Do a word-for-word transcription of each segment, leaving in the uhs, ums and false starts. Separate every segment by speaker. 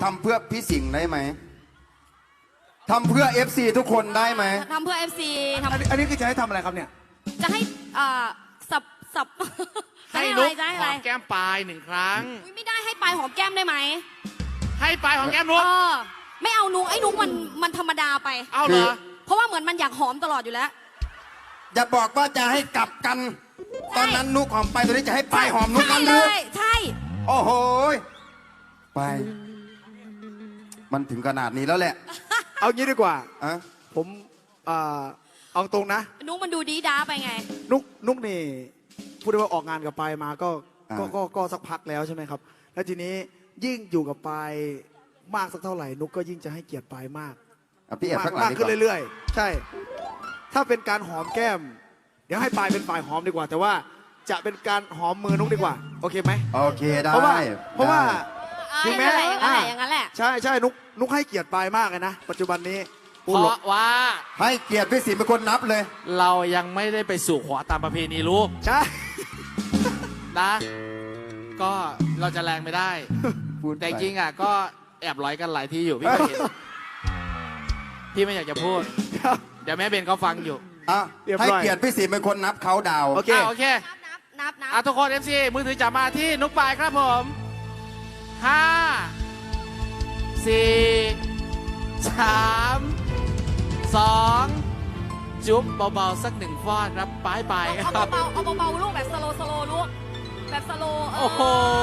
Speaker 1: ทำเพื่อพี่สิงห์ได้ไหมทำเพื่อ เอฟ ซี ทุกคนได้ไหม
Speaker 2: ทำเพื่อ เอฟ ซี ท
Speaker 3: อันนี้อันนี้คือจะให้ทำอะไรครับเนี่ย
Speaker 2: ำจะให้อ่าสับสับ จะ
Speaker 4: ให้
Speaker 2: ให้อะ
Speaker 4: นุ
Speaker 2: ไร
Speaker 4: ก
Speaker 2: จะให้
Speaker 4: ห
Speaker 2: อะไร
Speaker 4: อมแก้มปลายหนึ่งครั้ง
Speaker 2: อุ๊ยไม่ได้ให้ปลายหอมแก้มได้ไหม
Speaker 4: ให้ปลายหอมแก้มนุ
Speaker 2: เอก อไม่เอานุกไอ้นุกมันมันธรรมดาไป
Speaker 4: เอาเหรอ
Speaker 2: เพราะว่าเหมือนมันอยากหอมตลอดอยู่แล้ว
Speaker 1: อย่าบอกว่าจะให้กลับกัน ตอนนั้นนุกหอมไปตอนนี้จะให้ปลายหอมนุกกันห
Speaker 2: เล
Speaker 1: รือย
Speaker 2: ใช่
Speaker 1: โอ้โหไป มันถึงขนาดนี้แล้วแหละ
Speaker 3: เอางี้ดีกว่า
Speaker 1: อะ
Speaker 3: ผมอ่าเอาตรงนะ
Speaker 2: นุกมันดูดีด้าไปไง
Speaker 3: นุกนุกนี่พูดได้ว่าออกงานกับปายมาก็ก็ก็ก็สักพักแล้วใช่ไหมครับ แล้วทีนี้ยิ่งอยู่กับปายมากสักเท่าไหร่ นุกก็ยิ่งจะให้เกียรติปายมาก
Speaker 1: อ่ะพี่แอบ
Speaker 3: มาก
Speaker 1: ข้างหลั
Speaker 3: มาง ก
Speaker 1: ดีก
Speaker 3: ขึ้น
Speaker 1: ว่า
Speaker 3: เรื่อยๆ ใช่ ถ้าเป็นการหอมแก้ม เดี๋ยวให้ปายเป็นฝ่ายหอมดีกว่า แต่ว่าจะเป็นการหอมมือนุกดีกว่า โอเคไหม
Speaker 1: โอเคได้
Speaker 3: เพราะว่าเพราะว่า
Speaker 2: อ่า
Speaker 3: ถึงแม้
Speaker 2: อย่างนั้นแหละอย่างนั้นแหละ
Speaker 3: ใช่ใช่นุกนุกให้เกียรติปายมากเลยนะ ปัจจุบันนี้
Speaker 4: เพราะว่า
Speaker 1: ให้เกียรติพี่สิงห์เป็นคนนับเลย
Speaker 4: เรายังไม่ได้ไปสู่ขอตามประเพณีลูก
Speaker 3: ใช่
Speaker 4: นะ ก็เราจะแรงไม่ได้
Speaker 1: พูดไป
Speaker 4: แต่จริงอ่ะก็แอบร้อยกันหลายที่อยู่พี่ก็เห็น พี่ไม่อยากจะพูด เดี๋ยวแม่เบนเขาฟังอยู่
Speaker 1: อ่ะ
Speaker 3: เรียบร้อย
Speaker 1: ให้เกียรติพี่สิงห์เป็นคนนับเขาดาวน์
Speaker 3: โอเค
Speaker 4: อ่ะโอเค
Speaker 2: นับนับนับ
Speaker 4: อ่ะทุกคน เอฟ ซี มือถือจับมาที่นุกปลายครับผมห้าสี่สามสองจุ๊บเบาๆสักหนึ่งฟอดรับปลายปลายค
Speaker 2: เอา
Speaker 4: รับ
Speaker 2: เบาๆเอาเบาๆลูกแบบสโลสโลลูกแบบสโลเอ
Speaker 4: โอ้โห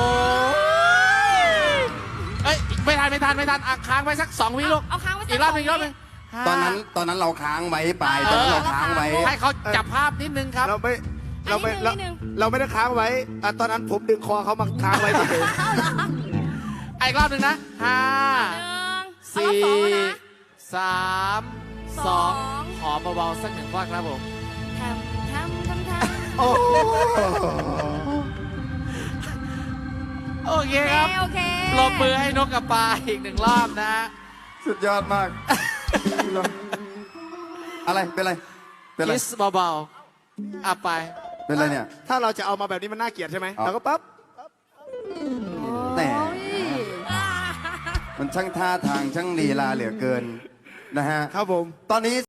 Speaker 4: เอ้ย ไม่ทัน ไม่ทัน ไม่ทันอ่ะค้างไว้สักสองวิลูก
Speaker 2: เอาค้างไว้สั
Speaker 4: อีกรอบหนึ่งอีกรอบหนึ่ง
Speaker 1: ตอนนั้นตอนนั้นเราค้างไว้ไปตอนนั้นเราค้างไว้
Speaker 4: ให้เขาจับภาพนิดนึงครับ
Speaker 3: เราไม่เราไม่
Speaker 2: อัน
Speaker 3: เรา
Speaker 2: นี้หนึ่ง
Speaker 3: เราไม่ได้ค้างไว้อ่ะตอนนั้นผมดึงคอเขามาค้างไว้เฉย
Speaker 4: อ่ะอีกรอบหนึ่งนะห้า
Speaker 2: หนึ่งเอา
Speaker 4: สี่
Speaker 2: รอบสองแล้วนะ
Speaker 4: สามส
Speaker 2: ส
Speaker 4: อ
Speaker 2: อง ง
Speaker 4: ขอเบาๆสักหนึ่งฟอดครับผม
Speaker 2: ทำทำทำทำ
Speaker 3: โอ้โห
Speaker 4: โอเค
Speaker 2: โอเค
Speaker 4: ครับ
Speaker 2: โอเค
Speaker 4: ปรบมือให้นกกับปลาอีกหนึ่งรอบนะ
Speaker 1: สุดยอดมาก อะไรเป็นไรเป็นไร
Speaker 4: คิสเบาๆอ่ะไป
Speaker 1: เป็นไรเนี่ย
Speaker 3: ถ้าเราจะเอามาแบบนี้มันน่าเกลียดใช่ไหม
Speaker 1: เอา
Speaker 3: เราก็ปั๊บ
Speaker 1: แต่มันช่างท่าทางช่างลีลาเหลือเกินนะฮะ
Speaker 3: ครับผม
Speaker 1: ตอนนี้